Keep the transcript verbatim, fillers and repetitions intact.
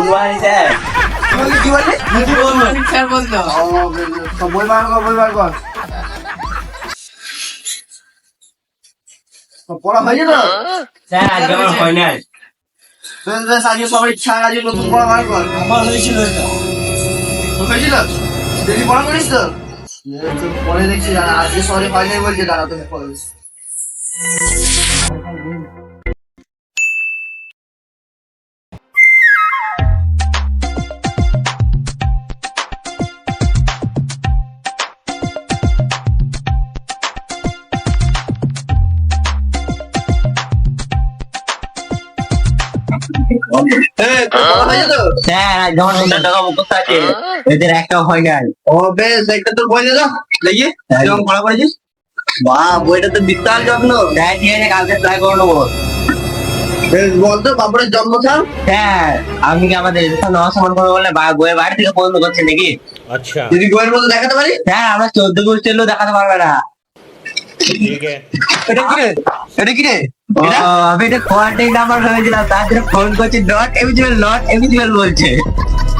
Good morning sir. কি বললি? কি বলবো স্যার বলতো? ও বই বার কর, বই বার কর। পড়া হয়েছে তো? স্যার আজকে আমার হয় নাই। বেশ বেশ, আজকে সবার ইচ্ছা আজকে নতুন পড়া বার কর। আমার হয়েছিল এটা। তোর হয়েছিল? দেখি পড়া করিস তো? পরে দেখছি দাঁড়া, আজকে সবাই হয় নাই বলছে, দাঁড়া তুমি পড়ে। স্যার আজ আমার পঞ্চাশ টাকা মুখস্থ আছে, এদের একটা হয় নাই। ও বেশ, একটা তোর বই দে তো দেখি কেমন পড়া করেছিস। বাহ, বইটা তো বিশাল যত্ন। স্যার ঠিক আছে, কালকে ট্রাই করে নেবো। বেশ, বলতো বাবুরের জন্ম স্থান? স্যার আপনি কি আমাদের এদের সাথে নেওয়া সমান করে বললে বা- বইয়ের বাড়ি থেকে পছন্দ করছেন নাকি? अच्छा যদি বইয়ের মধ্যে দেখাতে পারি। স্যার আমরা চোদ্দ গোষ্ঠীর লোক দেখাতে পারবে না। ठीक है এটা কি রে? এটা কি রে? ও, আমি এটা কোয়ান্টিটি নাম্বার ভেবেছিলাম, তার জন্য ফোন করছি, নট এলিজিবল, নট এলিজিবল বলছে।